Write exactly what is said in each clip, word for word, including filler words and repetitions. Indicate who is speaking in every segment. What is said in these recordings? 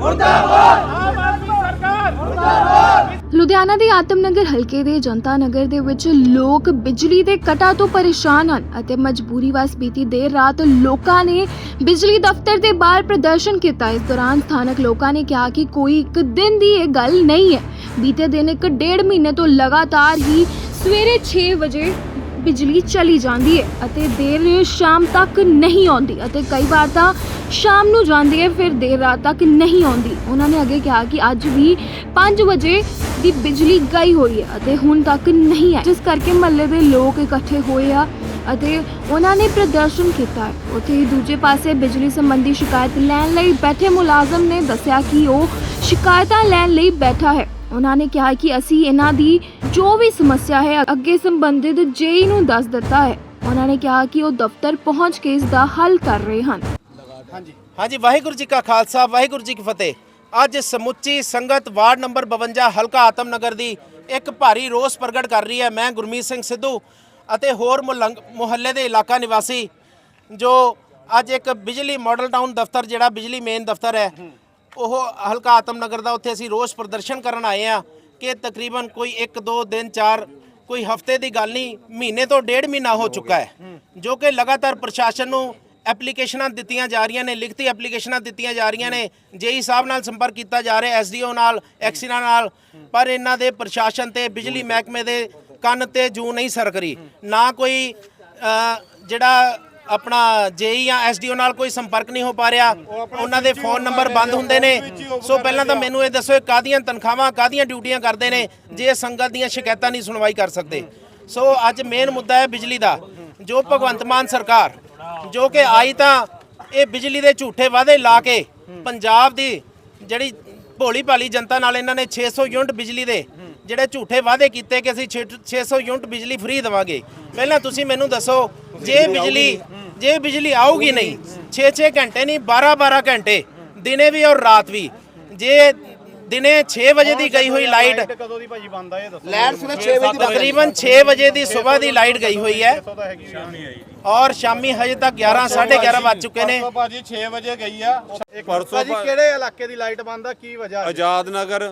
Speaker 1: ਲੁਧਿਆਣਾ ਦੇ ਆਤਮਨਗਰ ਹਲਕੇ ਦੇ ਜਨਤਾ ਨਗਰ ਦੇ ਵਿੱਚ ਲੋਕ ਬਿਜਲੀ ਦੇ ਕਟਾਂ ਤੋਂ ਪਰੇਸ਼ਾਨ ਹਨ ਅਤੇ ਮਜਬੂਰੀ ਵਸ ਬੀਤੀ ਦੇਰ ਰਾਤ ਲੋਕਾਂ ਨੇ ਬਿਜਲੀ ਦਫ਼ਤਰ ਦੇ ਬਾਹਰ ਪ੍ਰਦਰਸ਼ਨ ਕੀਤਾ। ਇਸ ਦੌਰਾਨ ਸਥਾਨਕ ਲੋਕਾਂ ਨੇ ਕਿਹਾ ਕਿ ਕੋਈ ਇੱਕ ਦਿਨ ਦੀ ਇਹ ਗੱਲ ਨਹੀਂ ਹੈ, ਬੀਤੇ ਦਿਨ ਇੱਕ ਡੇਢ ਮਹੀਨੇ ਤੋਂ ਲਗਾਤਾਰ ਹੀ ਸਵੇਰੇ ਛੇ ਵਜੇ ਬਿਜਲੀ ਚਲੀ ਜਾਂਦੀ ਹੈ ਅਤੇ ਦੇਰ ਸ਼ਾਮ ਤੱਕ ਨਹੀਂ ਆਉਂਦੀ ਅਤੇ ਕਈ ਵਾਰ ਤਾਂ ਸ਼ਾਮ ਨੂੰ ਜਾਂਦੀ ਹੈ ਫਿਰ ਦੇਰ ਰਾਤ ਤੱਕ ਨਹੀਂ ਆਉਂਦੀ। ਉਹਨਾਂ ਨੇ ਅੱਗੇ ਕਿਹਾ ਕਿ ਅੱਜ ਵੀ ਪੰਜ ਵਜੇ ਦੀ ਬਿਜਲੀ ਗਈ ਹੋਈ ਹੈ ਅਤੇ ਹੁਣ ਤੱਕ ਨਹੀਂ ਹੈ, ਜਿਸ ਕਰਕੇ ਮਹੱਲੇ ਦੇ ਲੋਕ ਇਕੱਠੇ ਹੋਏ ਆ ਅਤੇ ਉਹਨਾਂ ਨੇ ਪ੍ਰਦਰਸ਼ਨ ਕੀਤਾ ਹੈ। ਉੱਥੇ ਹੀ ਦੂਜੇ ਪਾਸੇ ਬਿਜਲੀ ਸੰਬੰਧੀ ਸ਼ਿਕਾਇਤ ਲੈਣ ਲਈ ਬੈਠੇ ਮੁਲਾਜ਼ਮ ਨੇ ਦੱਸਿਆ ਕਿ ਉਹ ਸ਼ਿਕਾਇਤਾਂ ਲੈਣ ਲਈ ਬੈਠਾ ਹੈ। ਉਹਨਾਂ ਨੇ ਕਿਹਾ ਕਿ ਅਸੀਂ ਇਹਨਾਂ ਦੀ ਜੋ ਵੀ ਸਮੱਸਿਆ ਹੈ ਅੱਗੇ ਸੰਬੰਧਿਤ ਜੇਈ ਨੂੰ ਦੱਸ ਦਿੱਤਾ ਹੈ। ਉਹਨਾਂ ਨੇ ਕਿਹਾ ਕਿ ਉਹ ਦਫ਼ਤਰ ਪਹੁੰਚ ਕੇ ਇਸ ਦਾ ਹੱਲ ਕਰ ਰਹੇ ਹਨ।
Speaker 2: ਹਾਂਜੀ ਹਾਂਜੀ ਵਾਹਿਗੁਰੂ ਜੀ ਕਾ ਖਾਲਸਾ ਵਾਹਿਗੁਰੂ ਜੀ ਕੀ ਫਤਿਹ। ਅੱਜ ਸਮੁੱਚੀ ਸੰਗਤ ਵਾਰਡ ਨੰਬਰ ਬਵੰਜਾ ਹਲਕਾ ਆਤਮਨਗਰ ਦੀ ਇੱਕ ਭਾਰੀ ਰੋਸ ਪ੍ਰਗਟ ਕਰ ਰਹੀ ਹੈ। ਮੈਂ ਗੁਰਮੀਤ ਸਿੰਘ ਸਿੱਧੂ ਅਤੇ ਹੋਰ ਮੁਹੱਲੇ ਦੇ ਇਲਾਕਾ ਨਿਵਾਸੀ ਜੋ ਅੱਜ ਇੱਕ ਬਿਜਲੀ ਮਾਡਲ ਟਾਊਨ ਦਫ਼ਤਰ ਜਿਹੜਾ ਬਿਜਲੀ ਮੇਨ ਦਫ਼ਤਰ ਹੈ ਉਹ ਹਲਕਾ ਆਤਮਨਗਰ ਦਾ, ਉੱਥੇ ਅਸੀਂ ਰੋਸ ਪ੍ਰਦਰਸ਼ਨ ਕਰਨ ਆਏ ਆ ਕਿ ਤਕਰੀਬਨ ਕੋਈ ਇੱਕ ਦੋ ਦਿਨ ਚਾਰ ਕੋਈ ਹਫ਼ਤੇ ਦੀ ਗੱਲ ਨਹੀਂ, ਮਹੀਨੇ ਤੋਂ ਡੇਢ ਮਹੀਨਾ ਹੋ ਚੁੱਕਾ ਹੈ ਜੋ ਕਿ ਲਗਾਤਾਰ ਪ੍ਰਸ਼ਾਸਨ ਨੂੰ ਐਪਲੀਕੇਸ਼ਨਾਂ ਦਿੱਤੀਆਂ ਜਾ ਰਹੀਆਂ ਨੇ, ਲਿਖਤੀ ਐਪਲੀਕੇਸ਼ਨਾਂ ਦਿੱਤੀਆਂ ਜਾ ਰਹੀਆਂ ਨੇ, ਜੇਈ ਸਾਹਿਬ ਨਾਲ ਸੰਪਰਕ ਕੀਤਾ ਜਾ ਰਿਹਾ, ਐਸਡੀਓ ਨਾਲ, ਐਕਸੀਨਾ ਨਾਲ, ਪਰ ਇਹਨਾਂ ਦੇ ਪ੍ਰਸ਼ਾਸਨ ਤੇ ਬਿਜਲੀ ਮਹਿਕਮੇ ਦੇ ਕੰਨ ਤੇ ਜੂ ਨਹੀਂ ਸਰਕ ਰਹੀ। ਨਾ ਕੋਈ ਜਿਹੜਾ ਆਪਣਾ ਜੇਈ ਜਾਂ ਐਸਡੀਓ ਨਾਲ ਕੋਈ ਸੰਪਰਕ ਨਹੀਂ ਹੋ ਪਾ ਰਿਹਾ, ਉਹਨਾਂ ਦੇ ਫੋਨ ਨੰਬਰ ਬੰਦ ਹੁੰਦੇ ਨੇ। ਸੋ ਪਹਿਲਾਂ ਤਾਂ ਮੈਨੂੰ ਇਹ ਦੱਸੋ ਕਾਹਦੀਆਂ ਤਨਖਾਹਾਂ ਕਾਹਦੀਆਂ ਡਿਊਟੀਆਂ ਕਰਦੇ ਨੇ ਜੇ ਸੰਗਤ ਦੀਆਂ ਸ਼ਿਕਾਇਤਾਂ ਨਹੀਂ ਸੁਣਵਾਈ ਕਰ ਸਕਦੇ। ਸੋ ਅੱਜ ਮੇਨ ਮੁੱਦਾ ਹੈ ਬਿਜਲੀ ਦਾ, ਜੋ ਭਗਵੰਤ ਮਾਨ ਸਰਕਾਰ ਜੋ ਕਿ ਆਈ ਤਾਂ ਇਹ ਬਿਜਲੀ ਦੇ ਝੂਠੇ ਵਾਅਦੇ ਲਾ ਕੇ ਪੰਜਾਬ ਦੀ ਜਿਹੜੀ ਭੋਲੀ ਭਾਲੀ ਜਨਤਾ ਨਾਲ ਇਹਨਾਂ ਨੇ ਛੇ ਸੌ ਯੂਨਿਟ ਬਿਜਲੀ ਦੇ ਜਿਹੜੇ ਝੂਠੇ ਵਾਅਦੇ ਕੀਤੇ ਕਿ ਅਸੀਂ ਛੇ ਸੌ ਯੂਨਿਟ ਬਿਜਲੀ ਫ੍ਰੀ ਦੇਵਾਂਗੇ। ਪਹਿਲਾਂ ਤੁਸੀਂ ਮੈਨੂੰ ਦੱਸੋ ਜੇ ਬਿਜਲੀ ਜੇ ਬਿਜਲੀ ਆਊਗੀ ਨਹੀਂ ਛੇ ਛੇ ਘੰਟੇ ਨਹੀਂ ਬਾਰਾਂ ਬਾਰਾਂ ਘੰਟੇ ਦਿਨੇ ਵੀ ਔਰ ਰਾਤ ਵੀ, ਜੇ ਦਿਨੇ ਛੇ ਵਜੇ ਦੀ ਗਈ ਹੋਈ ਲਾਈਟ
Speaker 3: ਕਦੋਂ ਦੀ ਭਾਜੀ ਬੰਦ ਆ ਇਹ ਦੱਸੋ।
Speaker 2: ਲਾਈਟ ਸਵੇਰੇ ਛੇ ਵਜੇ ਦੀ ਤਕਰੀਬਨ ਛੇ ਵਜੇ ਦੀ ਸਵੇਰ ਦੀ ਲਾਈਟ ਗਈ ਹੋਈ ਹੈ ਔਰ ਸ਼ਾਮੀ ਹਜੇ ਤੱਕ ਗਿਆਰਾਂ ਸਾਢੇ ਗਿਆਰਾਂ ਵੱਜ ਚੁੱਕੇ ਨੇ।
Speaker 3: ਭਾਜੀ ਛੇ ਵਜੇ ਗਈ ਆ ਪਰਸੋਂ। ਭਾਜੀ ਕਿਹੜੇ ਇਲਾਕੇ ਦੀ ਲਾਈਟ ਬੰਦ ਆ, ਕੀ ਵਜ੍ਹਾ?
Speaker 4: ਆਜ਼ਾਦ ਨਗਰ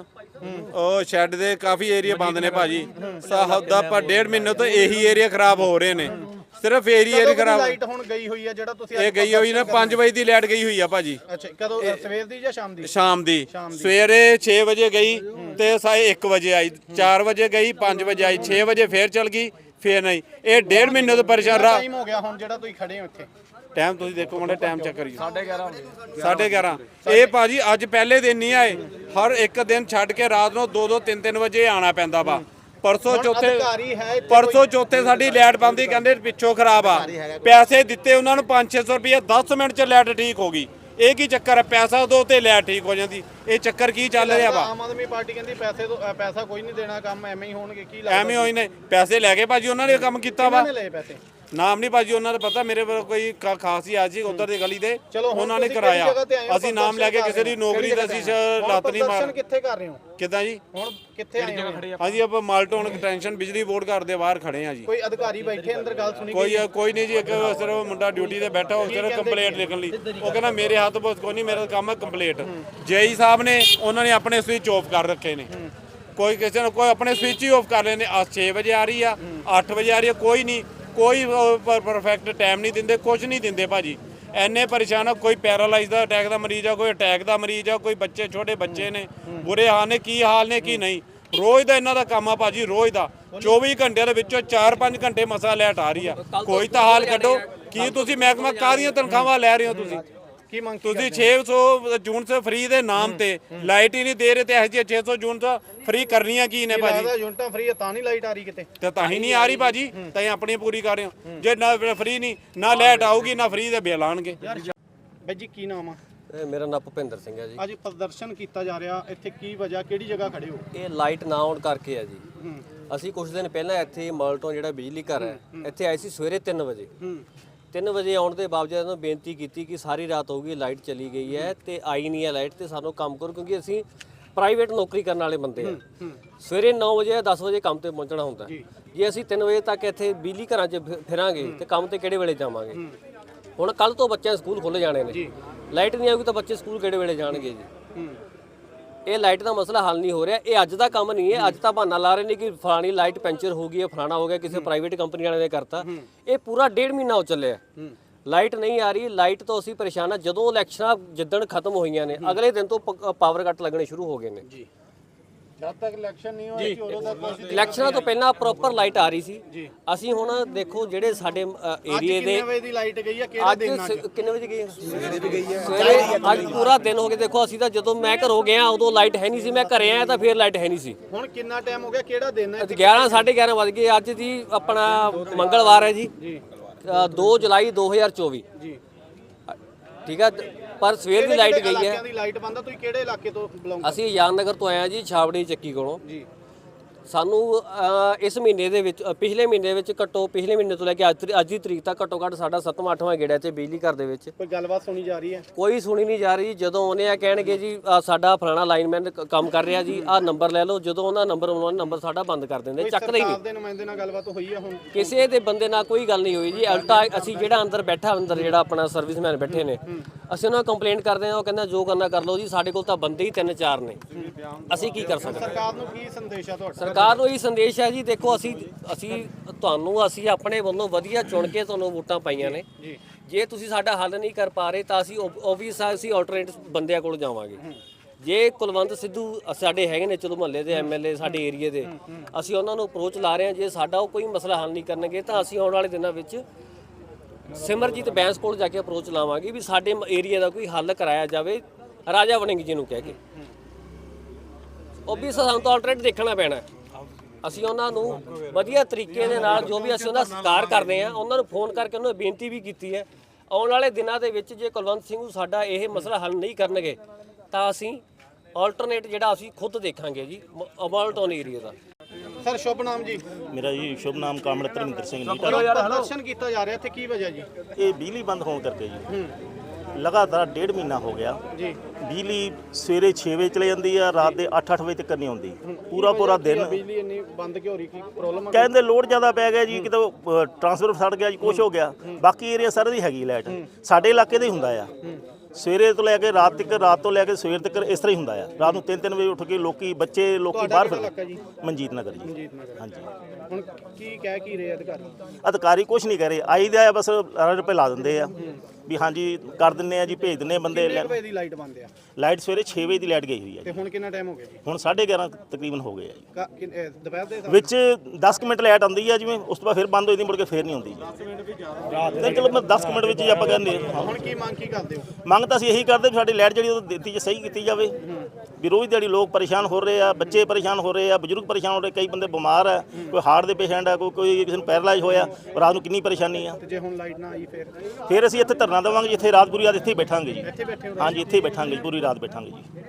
Speaker 4: ਉਹ ਸ਼ੈੱਡ ਦੇ ਕਾਫੀ ਏਰੀਆ ਬੰਦ ਨੇ ਭਾਜੀ। ਸਾਹਦਾ ਪਰ ਡੇਢ ਮਹੀਨੇ ਤੋਂ ਇਹੀ ਏਰੀਆ ਖਰਾਬ ਹੋ ਰਹੇ ਨੇ, ਸਿਰਫ ਏਰੀਆ ਏਰੀਆ ਖਰਾਬ।
Speaker 3: ਲਾਈਟ ਹੁਣ ਗਈ ਹੋਈ ਆ ਜਿਹੜਾ ਤੁਸੀਂ
Speaker 4: ਇਹ ਗਈ ਹੋਈ ਨਾ ਪੰਜ ਵਜੇ ਦੀ ਲਾਈਟ ਗਈ ਹੋਈ ਆ ਭਾਜੀ।
Speaker 3: ਅੱਛਾ ਕਦੋਂ, ਸਵੇਰ ਦੀ ਜਾਂ ਸ਼ਾਮ ਦੀ?
Speaker 4: ਸ਼ਾਮ ਦੀ। ਸਵੇਰੇ ਛੇ ਵਜੇ ਗਈ ਤੇ ਸਾਏ ਇੱਕ ਵਜੇ ਆਈ, ਚਾਰ ਵਜੇ ਗਈ, ਪੰਜ ਵਜੇ ਆਈ, ਛੇ ਵਜੇ ਫੇਰ ਚਲ ਗਈ, ਫੇਰ ਨਹੀਂ। ਇਹ ਡੇਢ ਮਹੀਨੇ ਤੋਂ ਪਰੇਸ਼ਾਨ ਰਹਾ।
Speaker 3: ਟਾਈਮ ਹੋ ਗਿਆ ਹੁਣ ਜਿਹੜਾ ਤੁਸੀਂ ਖੜੇ ਹੋ ਇੱਥੇ?
Speaker 4: ਟਾਈਮ ਤੁਸੀਂ ਦੇਖੋ ਮੁੰਡੇ ਟਾਈਮ ਚੈੱਕ ਕਰੀਓ। ਸਾਢੇ ਗਿਆਰਾਂ ਸਾਢੇ ਗਿਆਰਾਂ ਇਹ ਭਾਜੀ ਅੱਜ ਪਹਿਲੇ ਦਿਨ ਨਹੀਂ ਆਏ, ਹਰ ਇੱਕ ਦਿਨ ਛੱਡ ਕੇ ਰਾਤ ਨੂੰ ਦੋ ਦੋ ਤਿੰਨ ਤਿੰਨ ਵਜੇ ਆਣਾ ਪੈਂਦਾ ਵਾ। ਪਰਸੋਂ ਚੌਥੇ ਪਰਸੋਂ ਚੌਥੇ ਸਾਡੀ ਲਾਈਟ ਬੰਦੀ, ਕਹਿੰਦੇ ਪਿੱਛੋਂ ਖਰਾਬ ਆ। ਪੈਸੇ ਦਿੱਤੇ ਉਹਨਾਂ ਨੂੰ ਪੰਜ ਛੇ ਸੌ ਰੁਪਏ, ਦਸ ਮਿੰਟ ਚ ਲਾਈਟ ਠੀਕ ਹੋ ਗਈ। ਇਹ ਕੀ ਚੱਕਰ ਹੈ? ਪੈਸਾ ਦੋ ਤੇ ਲਾਈਟ ਠੀਕ ਹੋ ਜਾਂਦੀ, ਇਹ ਚੱਕਰ ਕੀ ਚੱਲ ਰਿਹਾ ਵਾ?
Speaker 3: ਆਮ ਆਦਮੀ ਪਾਰਟੀ ਕਹਿੰਦੀ ਪੈਸੇ ਤੋਂ ਪੈਸਾ ਕੋਈ ਨਹੀਂ ਦੇਣਾ, ਕੰਮ ਐਵੇਂ ਹੀ ਹੋਣਗੇ। ਕੀ
Speaker 4: ਐਵੇਂ ਹੋਈ ਨੇ ਪੈਸੇ ਲੈ ਕੇ ਭਾਜੀ ਉਹਨਾਂ ਨੇ ਕੰਮ ਕੀਤਾ ਵਾ।
Speaker 3: ਲਏ ਪੈਸੇ
Speaker 4: ਨਾਮ ਨਹੀਂ ਭਾਜੀ ਉਹਨਾਂ ਦਾ ਪਤਾ, ਮੇਰੇ ਕੋਲ ਕੋਈ ਖਾਸ ਹੀ ਆ ਜੀ ਉਧਰ ਦੀ ਗਲੀ ਦੇ, ਉਹਨਾਂ ਨੇ ਕਰਾਇਆ। ਅਸੀਂ ਨਾਮ ਲੈ ਕੇ ਕਿਸੇ ਦੀ ਨੌਕਰੀ ਦਾ ਅਸੀਂ ਲੱਤ ਨਹੀਂ ਮਾਰ।
Speaker 3: ਕਿੱਥੇ ਕਰ ਰਹੇ ਹੋ?
Speaker 4: ਕਿੱਦਾਂ ਜੀ?
Speaker 3: ਹੁਣ ਕਿੱਥੇ ਆਏ ਹੋ?
Speaker 4: ਹਾਂਜੀ ਆਪਾਂ ਮਾਲਟੋਨ ਟੈਂਸ਼ਨ ਬਿਜਲੀ ਬੋਰਡ ਘਰ ਦੇ ਬਾਹਰ ਖੜੇ ਆ ਜੀ।
Speaker 3: ਕੋਈ ਅਧਿਕਾਰੀ ਬੈਠੇ ਅੰਦਰ, ਗੱਲ ਸੁਣੀ?
Speaker 4: ਕੋਈ ਕੋਈ ਨਹੀਂ ਜੀ, ਇੱਕ ਸਿਰਫ ਮੁੰਡਾ ਡਿਊਟੀ ਤੇ ਬੈਠਾ, ਉਹ ਸਿਰਫ ਕੰਪਲੇਂਟ ਲਿਖਣ ਲਈ। ਉਹ ਕਹਿੰਦਾ ਮੇਰੇ ਹੱਥ ਬਹੁਤ ਕੋਈ ਨਹੀਂ, ਮੇਰਾ ਕੰਮ ਹੈ ਕੰਪਲੇਂਟ। ਜੇਈ ਸਾਹਿਬ ਨੇ ਉਹਨਾਂ ਨੇ ਆਪਣੇ ਸਵਿਚ ਆਫ ਕਰ ਰੱਖੇ ਨੇ, ਕੋਈ ਕਿਸੇ ਨੇ ਕੋਈ ਆਪਣੇ ਸਵਿਚ ਹੀ ਆਫ ਕਰ ਲੈਂਦੇ। ਆ ਛੇ ਵਜੇ ਆ ਰਹੀ ਆ, ਅੱਠ ਵਜੇ ਆ ਰਹੀ ਆ, ਕੋਈ ਨਹੀਂ, ਕੋਈ ਪਰਫੈਕਟ ਟਾਈਮ ਨਹੀਂ ਦਿੰਦੇ, ਕੁਝ ਨਹੀਂ ਦਿੰਦੇ ਭਾਜੀ। ਐਨੇ ਪਰੇਸ਼ਾਨ ਆ, ਕੋਈ ਪੈਰਾਲਾਈਜ਼ ਦਾ ਅਟੈਕ ਦਾ ਮਰੀਜ਼ ਆ, ਕੋਈ ਅਟੈਕ ਦਾ ਮਰੀਜ਼ ਆ, ਕੋਈ ਬੱਚੇ ਛੋਟੇ ਬੱਚੇ ਨੇ, ਬੁਰੇ ਹਾਲ ਨੇ, ਕੀ ਹਾਲ ਨੇ ਕੀ ਨਹੀਂ। ਰੋਜ਼ ਦਾ ਇਹਨਾਂ ਦਾ ਕੰਮ ਆ ਭਾਜੀ, ਰੋਜ਼ ਦਾ ਚੌਵੀ ਘੰਟਿਆਂ ਦੇ ਵਿੱਚੋਂ ਚਾਰ ਪੰਜ ਘੰਟੇ ਮਸਾ ਲਾਈਟ ਆ ਰਹੀ ਆ। ਕੋਈ ਤਾਂ ਹਾਲ ਕੱਢੋ। ਕੀ ਤੁਸੀਂ ਮਹਿਕਮਾ ਕਾਹਦੀਆਂ ਤਨਖਾਹਾਂ ਲੈ ਰਹੇ ਹੋ ਤੁਸੀਂ?
Speaker 3: ਕੀ ਮੰਗ
Speaker 4: ਤੁਸੀਂ ਛੇ ਸੌ ਯੂਨਿਟ ਫ੍ਰੀ ਦੇ ਨਾਮ ਤੇ ਲਾਈਟ ਹੀ ਨਹੀਂ ਦੇ ਰਹੇ, ਤੇ ਇਹ ਜਿਹੇ ਛੇ ਸੌ ਯੂਨਿਟ ਫ੍ਰੀ ਕਰਨੀਆਂ ਕੀ ਨੇ ਭਾਜੀ?
Speaker 3: ਯੂਨਿਟਾਂ ਫ੍ਰੀ ਤਾਂ ਨਹੀਂ ਲਾਈਟ ਆ ਰਹੀ ਕਿਤੇ?
Speaker 4: ਤੇ ਤਾਂ ਹੀ ਨਹੀਂ ਆ ਰਹੀ ਭਾਜੀ, ਤਾਂ ਹੀ ਆਪਣੀ ਪੂਰੀ ਕਰ ਰਹੇ ਹੋ। ਜੇ ਨਾ ਫ੍ਰੀ ਨਹੀਂ, ਨਾ ਲਾਈਟ ਆਊਗੀ, ਨਾ ਫ੍ਰੀ ਦੇ ਬਿੱਲ ਆਣਗੇ।
Speaker 3: ਬਾਈ ਜੀ ਕੀ ਨਾਮ ਆ?
Speaker 5: ਮੇਰਾ ਨਾਮ ਭੁਪਿੰਦਰ ਸਿੰਘ ਹੈ ਜੀ।
Speaker 3: ਅੱਜ ਪ੍ਰਦਰਸ਼ਨ ਕੀਤਾ ਜਾ ਰਿਹਾ, ਇੱਥੇ ਕੀ ਵਜ੍ਹਾ, ਕਿਹੜੀ ਜਗ੍ਹਾ ਖੜੇ ਹੋ?
Speaker 5: ਇਹ ਲਾਈਟ ਨਾ ਆਉਣ ਕਰਕੇ ਹੈ ਜੀ। ਅਸੀਂ ਕੁਝ ਦਿਨ ਪਹਿਲਾਂ ਇੱਥੇ ਮਾਲਟੋਨ ਜਿਹੜਾ ਬਿਜਲੀ ਘਰ ਹੈ ਇੱਥੇ ਆਏ ਸੀ ਸਵੇਰੇ ਤਿੰਨ ਵਜੇ। ਤਿੰਨ ਵਜੇ ਆਉਣ ਦੇ ਬਾਵਜੂਦ ਇਹਨਾਂ ਬੇਨਤੀ ਕੀਤੀ ਕਿ ਸਾਰੀ ਰਾਤ ਹੋ ਗਈ, ਲਾਈਟ ਚਲੀ ਗਈ ਹੈ ਤੇ ਆਈ ਨਹੀਂ ਹੈ ਲਾਈਟ, ਤੇ ਸਾਨੂੰ ਕੰਮ ਕਰੋ, ਕਿਉਂਕਿ ਅਸੀਂ ਪ੍ਰਾਈਵੇਟ ਨੌਕਰੀ ਕਰਨ ਵਾਲੇ ਬੰਦੇ ਆ। ਸਵੇਰੇ ਨੌ ਵਜੇ ਦਸ ਵਜੇ ਕੰਮ ਤੇ ਪਹੁੰਚਣਾ ਹੁੰਦਾ। ਜੇ ਅਸੀਂ ਤਿੰਨ ਵਜੇ ਤੱਕ ਇੱਥੇ ਬਿਜਲੀ ਘਰਾਂ 'ਚ ਫਿਰਾਂਗੇ ਤੇ ਕੰਮ ਤੇ ਕਿਹੜੇ ਵੇਲੇ ਜਾਵਾਂਗੇ? ਹੁਣ ਕੱਲ ਤੋਂ ਬੱਚਿਆਂ ਦੇ ਸਕੂਲ ਖੁੱਲ੍ਹ ਜਾਣੇ ਨੇ, ਲਾਈਟ ਨਹੀਂ ਆਊਗੀ ਤਾਂ ਬੱਚੇ ਸਕੂਲ ਕਿਹੜੇ ਵੇਲੇ ਜਾਣਗੇ ਜੀ? ਇਹ ਲਾਈਟ ਦਾ ਮਸਲਾ ਹੱਲ ਨਹੀਂ ਹੋ ਰਿਹਾ। ਇਹ ਅੱਜ ਦਾ ਕੰਮ ਨਹੀਂ ਹੈ, ਅੱਜ ਤਾਂ ਬਹਾਨਾ ਲਾ ਰਹੇ ਨੇ ਕਿ ਫਲਾਣੀ ਲਾਈਟ ਪੈਂਚਰ ਹੋ ਗਈ ਹੈ, ਫਲਾਣਾ ਹੋ ਗਿਆ, ਕਿਸੇ ਪ੍ਰਾਈਵੇਟ ਕੰਪਨੀ ਵਾਲੇ ਨੇ ਕਰਤਾ। ਇਹ ਪੂਰਾ ਡੇਢ ਮਹੀਨਾ ਹੋ ਚੱਲਿਆ, ਲਾਈਟ ਨਹੀਂ ਆ ਰਹੀ। ਲਾਈਟ ਤੋਂ ਅਸੀਂ ਪਰੇਸ਼ਾਨ ਆ। ਜਦੋਂ ਇਲੈਕਸ਼ਨਾਂ ਜਿੱਦਣ ਖਤਮ ਹੋਈਆਂ ਨੇ ਅਗਲੇ ਦਿਨ ਤੋਂ ਪਾਵਰ ਕੱਟ ਲੱਗਣੇ ਸ਼ੁਰੂ ਹੋ ਗਏ ਨੇ।
Speaker 3: ਜਦ ਤੱਕ ਇਲੈਕਸ਼ਨ ਨਹੀਂ ਹੋਇਆ ਸੀ ਉਦੋਂ ਤੱਕ ਕੋਈ
Speaker 5: ਇਲੈਕਸ਼ਨਾਂ ਤੋਂ ਪਹਿਲਾਂ ਪ੍ਰੋਪਰ ਲਾਈਟ ਆ ਰਹੀ ਸੀ। ਅਸੀਂ ਹੁਣ ਦੇਖੋ ਜਿਹੜੇ ਸਾਡੇ ਏਰੀਏ ਦੇ
Speaker 3: ਕਿੰਨੇ ਵਜੇ ਦੀ ਲਾਈਟ ਗਈ ਆ, ਕਿਹੜੇ
Speaker 5: ਅੱਜ
Speaker 3: ਦਿਨ ਅੱਜ
Speaker 5: ਸ- ਕਿੰਨੇ ਵਜੇ ਗਈ ਹੈ? ਸਵੇਰੇ ਦੀ ਗਈ ਹੈ। ਸਵੇਰੇ ਅੱਜ ਪੂਰਾ ਦਿਨ ਹੋ ਗਿਆ। ਦੇਖੋ ਅਸੀਂ ਤਾਂ ਜਦੋਂ ਮੈਂ ਘਰੋਂ ਗਿਆ ਉਦੋਂ ਲਾਈਟ ਹੈ ਨਹੀਂ ਸੀ, ਮੈਂ ਘਰੇ ਆਇਆ ਤਾਂ ਫਿਰ ਲਾਈਟ ਹੈ ਨਹੀਂ ਸੀ।
Speaker 3: ਹੁਣ ਕਿੰਨਾ ਟਾਈਮ ਹੋ ਗਿਆ, ਕਿਹੜਾ ਦਿਨ ਹੈ?
Speaker 5: ਗਿਆਰਾਂ ਸਾਢੇ ਗਿਆਰਾਂ ਵੱਜ ਗਏ। ਅੱਜ ਦੀ ਆਪਣਾ ਮੰਗਲਵਾਰ ਹੈ ਜੀ, ਦੋ ਜੁਲਾਈ ਦੋ ਹਜ਼ਾਰ ਚੌਵੀ।
Speaker 3: ਜੀ
Speaker 5: ਠੀਕ ਹੈ, ਪਰ ਸਵੇਰ ਦੀ ਲਾਈਟ ਗਈ ਹੈ।
Speaker 3: ਇਲਾਕਿਆਂ ਦੀ ਲਾਈਟ ਬੰਦ ਆ। ਤੁਸੀਂ ਕਿਹੜੇ ਇਲਾਕੇ ਤੋਂ ਬਿਲੋਂਗ
Speaker 5: ਅਸੀਂ ਆਜ਼ਾਦ ਨਗਰ ਤੋਂ ਆਏ ਹਾਂ ਜੀ, ਛਾਵੜੀ ਚੱਕੀ ਕੋਲੋਂ।
Speaker 3: ਜੀ
Speaker 5: ਸਾਨੂੰ ਅ, ਇਸ ਮਹੀਨੇ ਦੇ ਵਿੱਚ ਅ, ਪਿਛਲੇ ਮਹੀਨੇ ਵਿੱਚ ਘੱਟੋ ਪਿਛਲੇ ਮਹੀਨੇ ਤੋਂ ਲੈ ਕੇ ਅੱਜ ਤਰੀ- ਅੱਜ ਦੀ ਤਰੀਕ ਤੱਕ ਘੱਟੋ ਘੱਟ ਸਾਡਾ ਸੱਤਵਾਂ ਅੱਠਵਾਂ ਗੇੜਾ ਤੇ ਬਿਜਲੀ ਘਰ ਦੇ ਵਿੱਚ
Speaker 3: ਕੋਈ ਗੱਲਬਾਤ ਸੁਣੀ ਜਾ ਰਹੀ ਹੈ?
Speaker 5: ਕੋਈ ਸੁਣੀ ਨਹੀਂ ਜਾ ਰਹੀ। ਜਦੋਂ ਉਹਨੇ ਆ ਕਹਿਣਗੇ ਜੀ ਆਹ ਸਾਡਾ ਫਲਾਣਾ ਲਾਈਨਮੈਨ ਕੰਮ ਕਰ ਰਿਹਾ ਜੀ, ਆਹ ਨੰਬਰ ਲੈ ਲਓ। ਜਦੋਂ ਉਹਨਾਂ ਨੰਬਰ ਉਹਨਾਂ ਨੇ ਨੰਬਰ ਸਾਡਾ ਬੰਦ ਕਰ ਦਿੰਦੇ, ਚੱਕਦੇ ਹੀ
Speaker 3: ਸਰਕਾਰ
Speaker 5: ਨਹੀਂ।
Speaker 3: ਦੇ ਨੁਮਾਇੰਦੇ ਨਾਲ ਗੱਲਬਾਤ ਹੋਈ ਹੈ ਹੁਣ?
Speaker 5: ਕਿਸੇ ਦੇ ਬੰਦੇ ਨਾਲ ਕੋਈ ਗੱਲ ਨਹੀਂ ਹੋਈ ਜੀ। ਉਲਟਾ ਅਸੀਂ ਜਿਹੜਾ ਅੰਦਰ ਬੈਠਾ ਅੰਦਰ ਜਿਹੜਾ ਆਪਣਾ ਸਰਵਿਸਮੈਨ ਬੈਠੇ ਨੇ, ਅਸੀਂ ਉਹਨਾਂ ਨੂੰ ਕੰਪਲੇਂਟ ਕਰਦੇ ਹਾਂ। ਉਹ ਕਹਿੰਦਾ ਜੋ ਕਰਨਾ ਕਰ ਲਓ ਜੀ, ਸਾਡੇ ਕੋਲ ਤਾਂ ਬੰਦੇ ਹੀ ਤਿੰਨ ਚਾਰ ਨੇ, ਅਸੀਂ ਕੀ ਕਰ ਸਕਦੇ।
Speaker 3: ਸਰਕਾਰ ਨੂੰ ਕੀ ਸੰਦੇਸ਼ ਆ ਤੁਹਾਡਾ?
Speaker 5: ਸਰਕਾਰ ਨੂੰ ਇਹ ਸੰਦੇਸ਼ ਹੈ ਜੀ, ਦੇਖੋ ਅਸੀਂ ਅਸੀਂ ਤੁਹਾਨੂੰ ਅਸੀਂ ਆਪਣੇ ਵੱਲੋਂ ਵਧੀਆ ਚੁਣ ਕੇ ਤੁਹਾਨੂੰ ਵੋਟਾਂ ਪਾਈਆਂ ਨੇ। ਜੇ ਤੁਸੀਂ ਸਾਡਾ ਹੱਲ ਨਹੀਂ ਕਰ ਪਾ ਰਹੇ ਤਾਂ ਅਸੀਂ ਓਬਵੀਅਸ ਅਸੀਂ ਆਲਟਰਨੇਟ ਬੰਦਿਆਂ ਕੋਲ ਜਾਵਾਂਗੇ। ਜੇ ਕੁਲਵੰਤ ਸਿੱਧੂ ਸਾਡੇ ਹੈਗੇ ਨੇ ਚਲੋ ਮੁਹੱਲੇ ਦੇ ਐਮਐਲਏ ਸਾਡੇ ਏਰੀਏ ਦੇ, ਅਸੀਂ ਉਹਨਾਂ ਨੂੰ ਅਪਰੋਚ ਲਾ ਰਹੇ ਹਾਂ। ਜੇ ਸਾਡਾ ਉਹ ਕੋਈ ਮਸਲਾ ਹੱਲ ਨਹੀਂ ਕਰਨਗੇ ਤਾਂ ਅਸੀਂ ਆਉਣ ਵਾਲੇ ਦਿਨਾਂ ਵਿੱਚ ਸਿਮਰਜੀਤ ਬੈਂਸ ਕੋਲ ਜਾ ਕੇ ਅਪਰੋਚ ਲਾਵਾਂਗੇ ਵੀ ਸਾਡੇ ਏਰੀਆ ਦਾ ਕੋਈ ਹੱਲ ਕਰਾਇਆ ਜਾਵੇ, ਰਾਜਾ ਵੜਿੰਗ ਜੀ ਨੂੰ ਕਹਿ ਕੇ। ਓਬਵੀਅਸ ਸਾਨੂੰ ਤਾਂ ਆਲਟਰਨੇਟ ਦੇਖਣਾ ਪੈਣਾ। ਅਸੀਂ ਉਹਨਾਂ ਨੂੰ ਵਧੀਆ ਤਰੀਕੇ ਦੇ ਨਾਲ ਜੋ ਵੀ ਅਸੀਂ ਉਹਨਾਂ ਦਾ ਸਤਿਕਾਰ ਕਰਦੇ ਹਾਂ, ਉਹਨਾਂ ਨੂੰ ਫੋਨ ਕਰਕੇ ਉਹਨਾਂ ਨੂੰ ਬੇਨਤੀ ਵੀ ਕੀਤੀ ਹੈ ਆਉਣ ਵਾਲੇ ਦਿਨਾਂ ਦੇ ਵਿੱਚ ਜੇ ਕੁਲਵੰਤ ਸਿੰਘ ਸਾਡਾ ਇਹ ਮਸਲਾ ਹੱਲ ਨਹੀਂ ਕਰਨਗੇ ਤਾਂ ਅਸੀਂ ਆਲਟਰਨੇਟ ਜਿਹੜਾ ਅਸੀਂ ਖੁਦ ਦੇਖਾਂਗੇ ਜੀ ਅਮਾਲਟੋਨ ਏਰੀਆ ਦਾ।
Speaker 3: ਸਰ ਸ਼ੁਭ ਨਾਮ ਜੀ?
Speaker 6: ਮੇਰਾ ਜੀ ਸ਼ੁਭ ਨਾਮ ਕਾਮੜ ਧਰਮਿੰਦਰ ਸਿੰਘ ਜੀ।
Speaker 3: ਪ੍ਰਦਰਸ਼ਨ ਕੀਤਾ ਜਾ ਰਿਹਾ, ਇੱਥੇ ਕੀ ਵਜ੍ਹਾ ਜੀ?
Speaker 6: ਇਹ ਬਿਜਲੀ ਬੰਦ ਹੋਣ ਕਰਕੇ ਜੀ ਲਗਾਤਾਰ ਡੇਢ ਮਹੀਨਾ ਹੋ ਗਿਆ
Speaker 3: ਜੀ
Speaker 6: ਬਿਜਲੀ ਸਵੇਰੇ ਛੇ ਵਜੇ ਚਲੇ ਜਾਂਦੀ ਆ, ਰਾਤ ਦੇ ਅੱਠ ਅੱਠ ਵਜੇ ਤੱਕ ਨਹੀਂ ਆਉਂਦੀ। ਪੂਰਾ ਪੂਰਾ ਦਿਨ
Speaker 3: ਬਿਜਲੀ ਇੰਨੀ ਬੰਦ ਕਿਉਂ ਹੋ ਰਹੀ, ਕੀ ਪ੍ਰੋਬਲਮ ਆ?
Speaker 6: ਕਹਿੰਦੇ ਲੋਡ ਜ਼ਿਆਦਾ ਪੈ ਗਿਆ ਜੀ, ਕਿਤੇ ਟਰਾਂਸਫਰ ਸੜ ਗਿਆ ਜੀ, ਕੁਛ ਹੋ ਗਿਆ। ਬਾਕੀ ਏਰੀਆ ਸਾਰੇ ਦੀ ਹੈਗੀ ਲਾਈਟ, ਸਾਡੇ ਇਲਾਕੇ ਦੇ ਹੀ ਹੁੰਦਾ ਆ। ਸਵੇਰੇ ਤੋਂ ਲੈ ਕੇ ਰਾਤ ਤੱਕ, ਰਾਤ ਤੋਂ ਲੈ ਕੇ ਸਵੇਰ ਤੱਕ ਇਸ ਤਰ੍ਹਾਂ ਹੀ ਹੁੰਦਾ ਆ। ਰਾਤ ਨੂੰ ਤਿੰਨ ਤਿੰਨ ਵਜੇ ਉੱਠ ਕੇ ਲੋਕੀ ਬੱਚੇ ਲੋਕੀ ਬਾਹਰ ਫਿਰਦੇ। ਮਨਜੀਤ ਨਗਰ ਜੀ।
Speaker 3: ਮਨਜੀਤ ਨਗਰ।
Speaker 6: ਹਾਂਜੀ।
Speaker 3: ਹੁਣ ਕੀ ਕਹਿ ਕੀ ਰਹੇ ਅਧਿਕਾਰੀ?
Speaker 6: ਅਧਿਕਾਰੀ ਕੁਛ ਨਹੀਂ ਕਹਿ ਰਹੇ, ਆਈ ਦਾ ਆ ਬਸ ਰੁਪਏ ਲਾ ਦਿੰਦੇ ਆ ਵੀ ਹਾਂਜੀ ਕਰ ਦਿੰਨੇ ਆ ਜੀ, ਭੇਜ ਦਿੰਨੇ ਆ ਬੰਦੇ।
Speaker 3: ਕਿੰਨੇ ਵਜੇ ਦੀ ਲਾਈਟ ਬੰਦ ਆ?
Speaker 6: ਲਾਈਟ ਸਵੇਰੇ ਛੇ ਵਜੇ ਦੀ ਲਾਈਟ ਗਈ ਹੋਈ ਹੈ
Speaker 3: ਤੇ
Speaker 6: ਜੀ।
Speaker 3: ਹੁਣ ਕਿੰਨਾ ਟਾਈਮ ਹੋ ਗਿਆ ਜੀ?
Speaker 6: ਹੁਣ ਸਾਢੇ ਗਿਆਰਾਂ ਤਕਰੀਬਨ ਹੋ ਗਏ ਆ ਜੀ।
Speaker 3: ਕਾ- ਕਿ- ਇਹ ਦੁਪਹਿਰ ਦੇ ਸਮੇਂ?
Speaker 6: ਵਿੱਚ ਦਸ ਕੁ ਮਿੰਟ ਲਾਈਟ ਆਉਂਦੀ ਆ ਜਿਵੇਂ, ਉਸ ਤੋਂ ਬਾਅਦ ਫਿਰ ਬੰਦ ਹੋ ਜਾਂਦੀ, ਮੁੜ ਕੇ ਫਿਰ ਨਹੀਂ ਆਉਂਦੀ ਜੀ। ਤੇ ਚਲੋ ਮੈਂ ਦਸ ਕੁ ਮਿੰਟ ਵਿੱਚ ਹੀ ਆਪਾਂ ਕਹਿੰਦੇ ਹਾਂ।
Speaker 3: ਹੁਣ ਕੀ ਮੰਗ ਕੀ ਕਰਦੇ ਹੋ?
Speaker 6: ਮੰਗ ਤਾਂ ਅਸੀਂ ਇਹੀ ਕਰਦੇ ਵੀ ਸਾਡੀ ਲਾਈਟ ਜਿਹੜੀ ਉਹ ਦਿੱਤੀ ਜੇ ਸਹੀ ਕੀਤੀ ਜਾਵੇ। ਵੀ ਰੋਜ਼ ਦਿਹਾੜੀ ਲੋਕ ਪਰੇਸ਼ਾਨ ਹੋ ਰਹੇ ਆ, ਬੱਚੇ ਪਰੇਸ਼ਾਨ ਹੋ ਰਹੇ ਆ, ਬਜ਼ੁਰਗ ਪਰੇਸ਼ਾਨ ਹੋ ਰਹੇ, ਕਈ ਬੰਦੇ ਬਿਮਾਰ ਆ, ਕੋਈ ਹਾਰਟ ਦੇ ਪੇਸ਼ੈਂਟ ਆ, ਕੋਈ ਕੋਈ ਕਿਸੇ ਨੂੰ ਪੈਰਾਲਾਈਜ਼ ਹੋਇਆ, ਰਾਤ ਨੂੰ ਕਿੰਨੀ ਪਰੇਸ਼ਾਨੀ ਆ।
Speaker 3: ਤੇ ਜੇ ਹੁਣ ਲਾਈਟ ਨਾ ਆਈ ਫਿਰ?
Speaker 6: ਫਿਰ ਅਸੀਂ ਇੱਥੇ ਧਰਨਾ ਦੇਵਾਂਗੇ, ਜਿੱਥੇ ਰਾਤ ਪੂਰੀ ਰਾਤ ਇੱਥੇ ਹੀ ਬੈਠਾਂਗੇ ਜੀ।
Speaker 3: ਇੱਥੇ ਬੈਠੇ ਹੋ?
Speaker 6: ਹਾਂਜੀ ਇੱਥੇ ਹੀ ਬੈਠਾਂਗੇ ਜੀ, ਪੂਰੀ ਰਾਤ ਬੈਠਾਂਗੇ ਜੀ।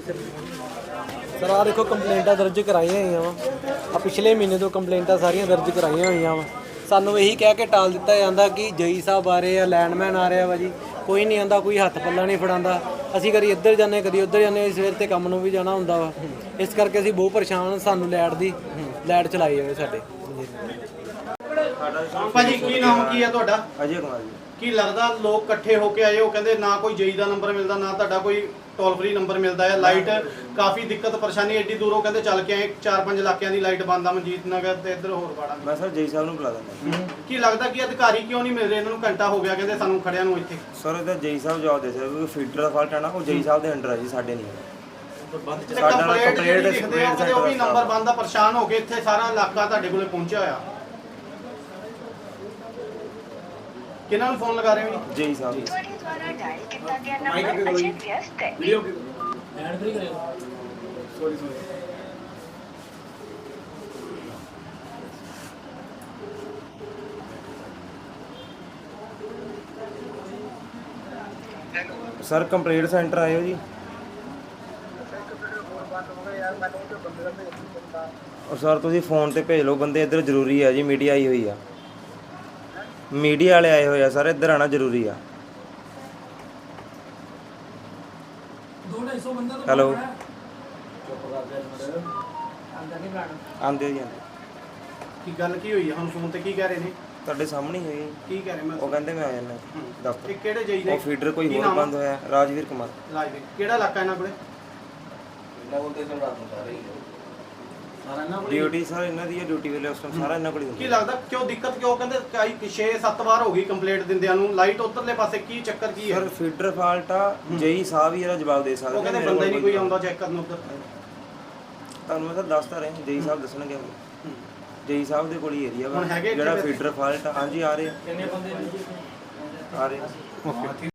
Speaker 7: ਸਰ ਆਹ ਦੇਖੋ ਕੰਪਲੇਂਟਾਂ ਦਰਜ ਕਰਾਈਆਂ ਹੋਈਆਂ ਵਾ, ਆ ਪਿਛਲੇ ਮਹੀਨੇ ਤੋਂ ਕੰਪਲੇਂਟਾਂ ਸਾਰੀਆਂ ਦਰਜ ਕਰਾਈਆਂ ਹੋਈਆਂ ਵਾ। ਸਾਨੂੰ ਇਹੀ ਕਹਿ ਕੇ ਟਾਲ ਦਿੱਤਾ ਜਾਂਦਾ ਕਿ ਜਈ ਸਾਹਿਬ ਆ ਰਹੇ ਆ, ਲੈਂਡਮੈਨ ਆ ਰਿਹਾ ਵਾ ਜੀ, ਕੋਈ ਨਹੀਂ ਆਂਦਾ, ਕੋਈ ਹੱਥ ਪੱਲਾ ਨਹੀਂ ਫੜਾਉਂਦਾ। ਅਸੀਂ ਕਦੀ ਇੱਧਰ ਜਾਂਦੇ ਕਦੀ ਉੱਧਰ ਜਾਂਦੇ, ਸਵੇਰ ਤੇ ਕੰਮ ਨੂੰ ਵੀ ਜਾਣਾ ਹੁੰਦਾ ਵਾ। ਇਸ ਕਰਕੇ ਅਸੀਂ ਬਹੁਤ ਪਰੇਸ਼ਾਨ, ਸਾਨੂੰ ਲਾਈਟ ਦੀ ਲਾਈਟ ਚਲਾਈ ਜਾਵੇ ਸਾਡੇ।
Speaker 3: ਭਾਜੀ ਕੀ ਨਾਮ ਕੀ ਹੈ ਤੁਹਾਡਾ?
Speaker 8: ਅਜੇ ਕੁਮਾਰ ਜੀ।
Speaker 3: ਕੀ ਲੱਗਦਾ ਲੋਕ ਇਕੱਠੇ ਹੋ ਕੇ ਆਏ ਹੋ, ਕਹਿੰਦੇ ਨਾ ਕੋਈ ਜਈ ਦਾ ਨੰਬਰ ਮਿਲਦਾ, ਨਾ ਤੁਹਾਡਾ ਕੋਈ ਟੋਲ ਫ੍ਰੀ ਨੰਬਰ ਮਿਲਦਾ ਹੈ। ਲਾਈਟ ਕਾਫੀ ਦਿੱਕਤ ਪਰੇਸ਼ਾਨੀ, ਐਡੀ ਦੂਰੋਂ ਕਹਿੰਦੇ ਚੱਲ ਕੇ ਆਏ, ਚਾਰ ਪੰਜ ਇਲਾਕਿਆਂ ਦੀ ਲਾਈਟ ਬੰਦ ਆ, ਮਨਜੀਤ ਨਗਰ ਤੇ ਇੱਧਰ ਹੋਰ ਬਾੜਾ।
Speaker 8: ਮੈਂ ਸਰ ਜੈ ਸਾਹਿਬ ਨੂੰ ਬੁਲਾ ਦਿੰਦਾ।
Speaker 3: ਕੀ ਲੱਗਦਾ ਕਿ ਅਧਿਕਾਰੀ ਕਿਉਂ ਨਹੀਂ ਮਿਲ ਰਹੇ ਇਹਨਾਂ ਨੂੰ? ਘੰਟਾ ਹੋ ਗਿਆ ਕਹਿੰਦੇ ਸਾਨੂੰ ਖੜਿਆਂ ਨੂੰ ਇੱਥੇ।
Speaker 8: ਸਰ ਇਹਦਾ ਜੈ ਸਾਹਿਬ ਜਵਾਬ ਦੇ ਸਕਦੇ, ਕਿਉਂਕਿ ਫੀਡਰ ਦਾ ਫਾਲਟ ਹੈ ਨਾ, ਉਹ ਜੈ ਸਾਹਿਬ ਦੇ ਅੰਡਰ ਹੈ ਜੀ, ਸਾਡੇ ਨਹੀਂ ਹੈ। ਸਾਡਾ
Speaker 3: ਕੰਪਲੇਂਟ
Speaker 8: ਕੰਪਲੇਂਟ
Speaker 3: ਲਿਖਦੇ ਆ, ਕਹਿੰਦੇ ਉਹ ਵੀ ਨੰਬਰ ਬੰਦ ਆ, ਪਰੇਸ਼ਾਨ ਹੋ ਕੇ ਇੱਥੇ ਸਾਰਾ ਇਲਾਕਾ ਤੁਹਾਡੇ ਕੋਲੇ ਪਹੁੰਚਿਆ ਹੋਇਆ। ਕਿਹਨਾਂ ਨੂੰ ਫੋਨ ਲਗਾ ਰਹੇ ਹੋ ਜੀ?
Speaker 8: ਜੈ ਸਾਹਿਬ
Speaker 9: ਤੁਹਾਡੇ ਦੁਆਰਾ ਡਾਇਲ ਕੀਤਾ ਗਿਆ ਨੰਬਰ ਅਜੇ ਵਿਅਸਤ ਹੈ।
Speaker 8: ਸਰ ਕੰਪਲੇਂਟ ਸੈਂਟਰ ਆਇਓ ਜੀ। ਔਰ ਸਰ ਤੁਸੀਂ ਫੋਨ ਤੇ ਭੇਜ ਲਓ ਬੰਦੇ, ਇੱਧਰ ਜ਼ਰੂਰੀ ਆ ਜੀ, ਮੀਡੀਆ ਆਈ ਹੋਈ ਆ, ਮੀਡੀਆ ਵਾਲੇ ਆਏ ਹੋਏ ਆ ਸਰ, ਇੱਧਰ ਆਣਾ ਜ਼ਰੂਰੀ ਆ। ਹੈਲੋ ਆਂਦੇ ਜੀ ਆਂਦੇ।
Speaker 3: ਕੀ ਗੱਲ ਕੀ ਹੋਈ ਹੈ ਹੁਣ? ਫੋਨ ਤੇ ਕੀ ਕਹਿ ਰਹੇ ਨੇ?
Speaker 8: ਤੁਹਾਡੇ ਸਾਹਮਣੇ ਹੀ ਹੋਈ।
Speaker 3: ਕੀ ਕਹਿ ਰਹੇ? ਮੈਂ
Speaker 8: ਉਹ ਕਹਿੰਦੇ ਮੈਂ ਆ ਜਾਣਾ ਦਫ਼ਤਰ।
Speaker 3: ਇਹ ਕਿਹੜੇ ਜਈ ਦੇ?
Speaker 8: ਉਹ ਫੀਡਰ ਕੋਈ ਹੋਰ ਬੰਦ ਹੋਇਆ, ਰਾਜਵੀਰ ਕੁਮਾਰ।
Speaker 3: ਲਾਈਵ ਕਿਹੜਾ ਇਲਾਕਾ ਇਹਨਾਂ ਕੋਲੇ?
Speaker 8: ਡਿਊਟੀ ਸਰ ਇਹਨਾਂ ਦੀ ਹੈ, ਡਿਊਟੀ ਵੇਲੇ ਉਸ ਟਾਈਮ ਸਾਰਾ ਇਹਨਾਂ ਕੋਲ ਹੀ
Speaker 3: ਕੀ
Speaker 8: ਹੁੰਦਾ।
Speaker 3: ਲੱਗਦਾ ਕਿਉਂ ਦਿੱਕਤ ਕਿਉਂ ਕਹਿੰਦੇ ਕਈ ਛੇ ਸੱਤ ਵਾਰ ਹੋ ਗਈ ਕੰਪਲੇਂਟ ਦਿੰਦਿਆਂ ਨੂੰ, ਲਾਈਟ ਉਧਰਲੇ ਪਾਸੇ ਕੀ ਚੱਕਰ ਕੀ ਹੈ?
Speaker 8: ਸਰ ਫੀਡਰ ਫਾਲਟ ਆ, ਜੇਈ ਸਾਹਿਬ ਹੀ ਇਹਦਾ ਜਵਾਬ ਦੇ ਸਕਦੇ
Speaker 3: ਉਹ ਕਹਿੰਦੇ
Speaker 8: ਮੇਰੇ
Speaker 3: ਬੰਦਾ ਹੀ
Speaker 8: ਕੋਲ
Speaker 3: ਨਹੀਂ ਕੋਈ ਆਉਂਦਾ ਚੈੱਕ ਕਰਨ ਉੱਧਰ।
Speaker 8: ਤੁਹਾਨੂੰ ਮੈਂ ਸਰ ਦੱਸਦਾ ਰਿਹਾ, ਜੇਈ ਸਾਹਿਬ ਦੱਸਣਗੇ। ਜੇਈ ਸਾਹਿਬ ਦੇ ਕੋਲ ਹੀ ਏਰੀਆ ਵਾ
Speaker 3: ਹੁਣ ਹੈਗੇ
Speaker 8: ਜਿਹੜਾ
Speaker 3: ਇੱਥੇ
Speaker 8: ਫੀਡਰ ਫਾਲਟ। ਹਾਂਜੀ ਆ ਰਹੇ ਆ। ਕਿੰਨੇ ਬੰਦੇ ਆ ਰਹੇ ਆ।